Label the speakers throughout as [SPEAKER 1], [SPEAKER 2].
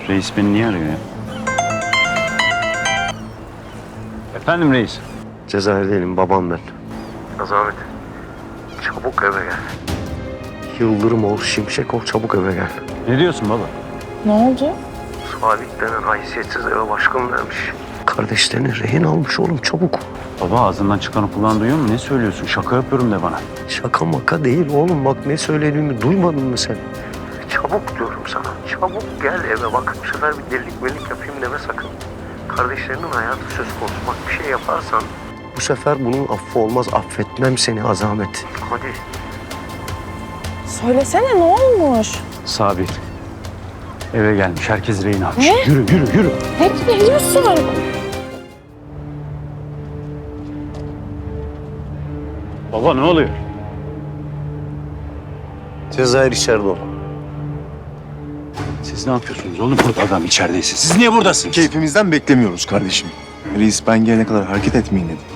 [SPEAKER 1] Reis beni niye arıyor ya? Efendim reis?
[SPEAKER 2] Cezayir'deyim, babam ben. Azamet, çabuk eve gel. Yıldırım ol, şimşek ol, çabuk eve gel.
[SPEAKER 1] Ne diyorsun baba?
[SPEAKER 3] Ne oldu?
[SPEAKER 2] Salih denen haysiyetsiz eve baskın vermiş. Kardeşlerini rehin almış oğlum, çabuk.
[SPEAKER 1] Baba ağzından çıkanı kulağın duyuyor mu? Ne söylüyorsun? Şaka yapıyorum de bana.
[SPEAKER 2] Şaka maka değil oğlum, bak ne söylediğimi duymadın mı sen? Çabuk diyorum sana, çabuk gel eve. Bak bu sefer bir delilik melik yapayım deme sakın. Kardeşlerinin hayatı söz konusu, bak bir şey yaparsan... Bu sefer bunun affı olmaz, affetmem seni Azamet. Hadi.
[SPEAKER 3] Söylesene ne olmuş?
[SPEAKER 1] Sabir. Eve gelmiş. Herkes rehin almış.
[SPEAKER 3] Ne?
[SPEAKER 1] Yürü.
[SPEAKER 3] Ne diyorsun?
[SPEAKER 1] Baba ne oluyor?
[SPEAKER 2] Cezayir içeride ol.
[SPEAKER 1] Siz ne yapıyorsunuz oğlum burada adam içerideyse? Siz niye buradasınız?
[SPEAKER 4] Keyfimizden beklemiyoruz kardeşim. Reis ben gelene kadar hareket etmeyin dedi.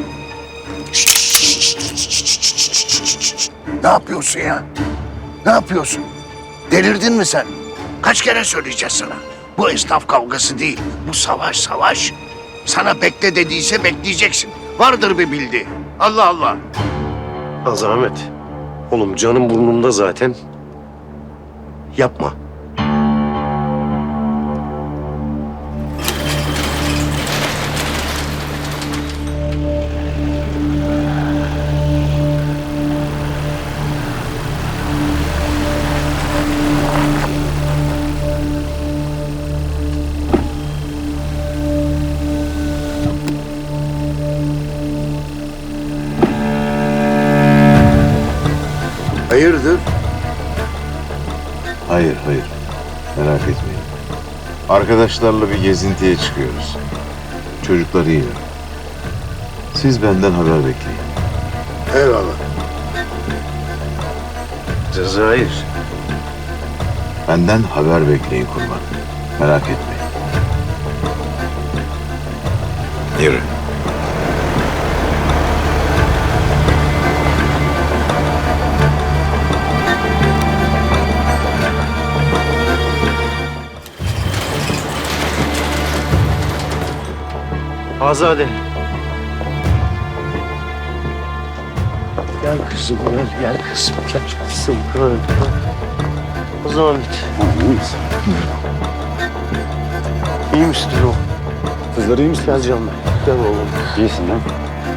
[SPEAKER 5] Ne yapıyorsun ya? Ne yapıyorsun? Delirdin mi sen? Kaç kere söyleyeceğiz sana? Bu esnaf kavgası değil. Bu savaş. Sana bekle dediyse bekleyeceksin. Vardır bir bildiği. Allah Allah.
[SPEAKER 2] Azamet. Oğlum canım burnumda zaten. Yapma.
[SPEAKER 5] Hayırdır?
[SPEAKER 6] Hayır. Merak etmeyin. Arkadaşlarla bir gezintiye çıkıyoruz. Çocuklar iyi. Siz benden haber bekleyin.
[SPEAKER 5] Eyvallah.
[SPEAKER 2] Cezayir.
[SPEAKER 6] Benden haber bekleyin kurban. Merak etmeyin. Yürü.
[SPEAKER 2] Azade. Gel kızım, gel kızım, gel kızım. Azamet.
[SPEAKER 1] İyi misin?
[SPEAKER 2] İyi misin oğlum?
[SPEAKER 4] Kızlar iyi misin?
[SPEAKER 2] Gel canım. Gel oğlum.
[SPEAKER 1] İyisin değil mi?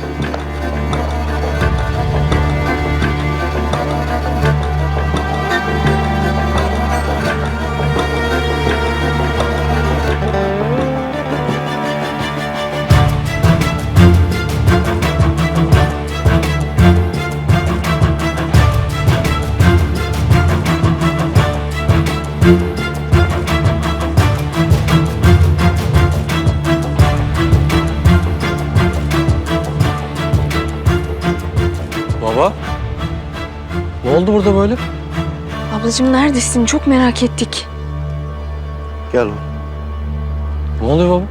[SPEAKER 7] Baba? Ne oldu burada böyle?
[SPEAKER 3] Ablacığım neredesin? Çok merak ettik.
[SPEAKER 2] Gel oğlum.
[SPEAKER 7] Ne oluyor baba?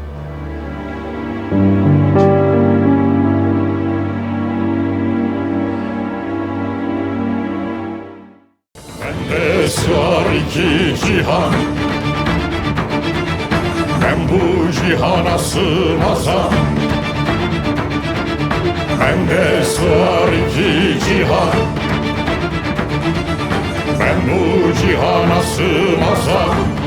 [SPEAKER 8] Bende sığar iki cihan, ben bu cihana sığmazam. Bende sığar iki cihan, ben bu cihana sığmazam.